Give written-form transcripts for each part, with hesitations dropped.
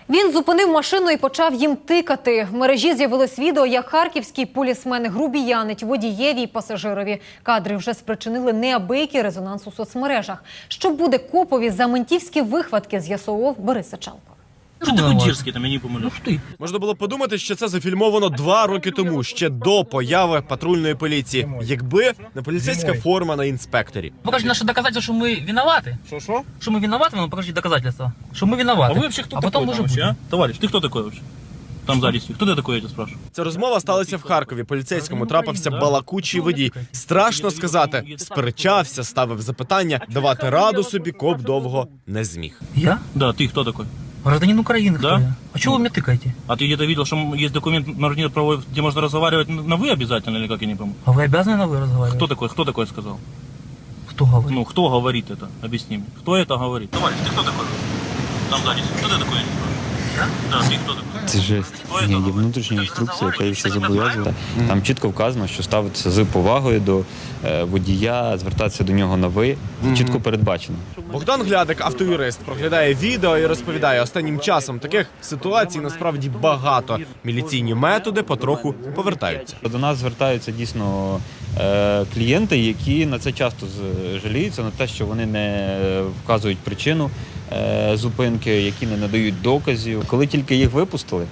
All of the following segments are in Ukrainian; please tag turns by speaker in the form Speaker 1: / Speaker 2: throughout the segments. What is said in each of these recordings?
Speaker 1: Він зупинив машину і почав їм тикати. В мережі з'явилось відео, як харківський полісмен грубіянить водієві і пасажирові. Кадри вже спричинили неабиякий резонанс у соцмережах. Що буде копові за ментівські вихватки, з'ясовував Борис Сачалко.
Speaker 2: Що ти такий дерзкий, там, я не помилю.
Speaker 3: Можна було подумати, що це зафільмовано 2 роки тому, ще до появи патрульної поліції. Якби не поліцейська форма на інспекторі.
Speaker 4: Покажи наши доказательства, что мы виноваты.
Speaker 2: Что?
Speaker 4: Что мы виноваты, но покажи доказательства, что мы виноваты.
Speaker 2: А вы вообще кто
Speaker 4: а
Speaker 2: такой
Speaker 4: потом
Speaker 2: там
Speaker 4: уже
Speaker 2: вообще,
Speaker 4: будем.
Speaker 2: а? Товарищ, ты кто такой вообще? Там сзади сидит. Кто ты такой, я тебя спрашиваю?
Speaker 3: Ця розмова сталася в Харкові. Поліцейському трапився балакучий водій. Страшно сказати, сперечався, ставив запитання. Давати раду собі коп довго не зміг.
Speaker 4: Я?
Speaker 2: Да, ты кто такой?
Speaker 4: Гражданин Украины,
Speaker 2: Да?
Speaker 4: кто я? А чего вы меня тыкаете?
Speaker 2: А ты где-то видел, что есть документ на гражданина правовой, где можно разговаривать на «вы» обязательно, или как, я не помню?
Speaker 4: А вы обязаны на вы разговаривать?
Speaker 2: Кто такой сказал?
Speaker 4: Кто говорит?
Speaker 2: Ну, кто говорит это? Объясни мне. Кто это говорит? Товарищ, ты кто такой? Там сзади сидит. Кто ты такой, я не спрашиваю?
Speaker 4: Я?
Speaker 2: Да, ты кто такой?
Speaker 5: Це жесть. Ні, є внутрішня інструкція, яка їх все зобов'язує. Там чітко вказано, що ставитися з повагою до водія, звертатися до нього на «ви». Чітко передбачено.
Speaker 3: Богдан Глядик, автоюрист, проглядає відео і розповідає, останнім часом таких ситуацій насправді багато. Міліційні методи потроху повертаються.
Speaker 5: До нас звертаються дійсно клієнти, які на це часто жаліються, на те, що вони не вказують причину зупинки, які не надають доказів. Коли тільки їх випустили,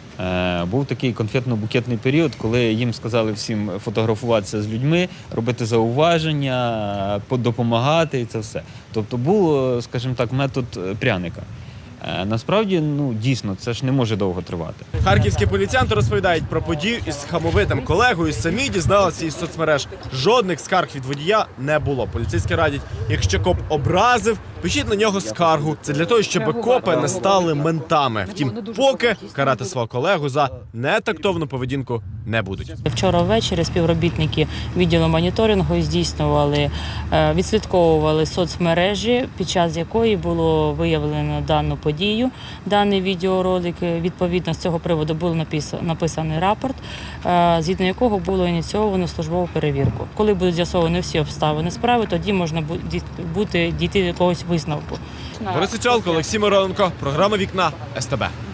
Speaker 5: був такий конфетно-букетний період, коли їм сказали всім фотографуватися з людьми, робити зауваження, допомагати і це все. Тобто був, скажімо так, метод пряника. Насправді, дійсно, це ж не може довго тривати.
Speaker 3: Харківські поліціянти розповідають про подію із хамовитим колегою, самі дізналися із соцмереж. Жодних скарг від водія не було. Поліцейські радять, якщо коп образив, пишіть на нього скаргу. Це для того, щоб копи не стали ментами. Втім, поки карати свого колегу за нетактовну поведінку не будуть.
Speaker 6: Вчора ввечері співробітники відділу моніторингу здійснювали, відслідковували соцмережі, під час якої було виявлено дану подію, даний відеоролик. Відповідно, з цього приводу був написаний рапорт, згідно якого було ініційовано службову перевірку. Коли будуть з'ясовані всі обставини справи, тоді можна буде дійти до якогось висновку.
Speaker 3: Борис Сачалко, Олексій Мироненко, програма «Вікна», СТБ.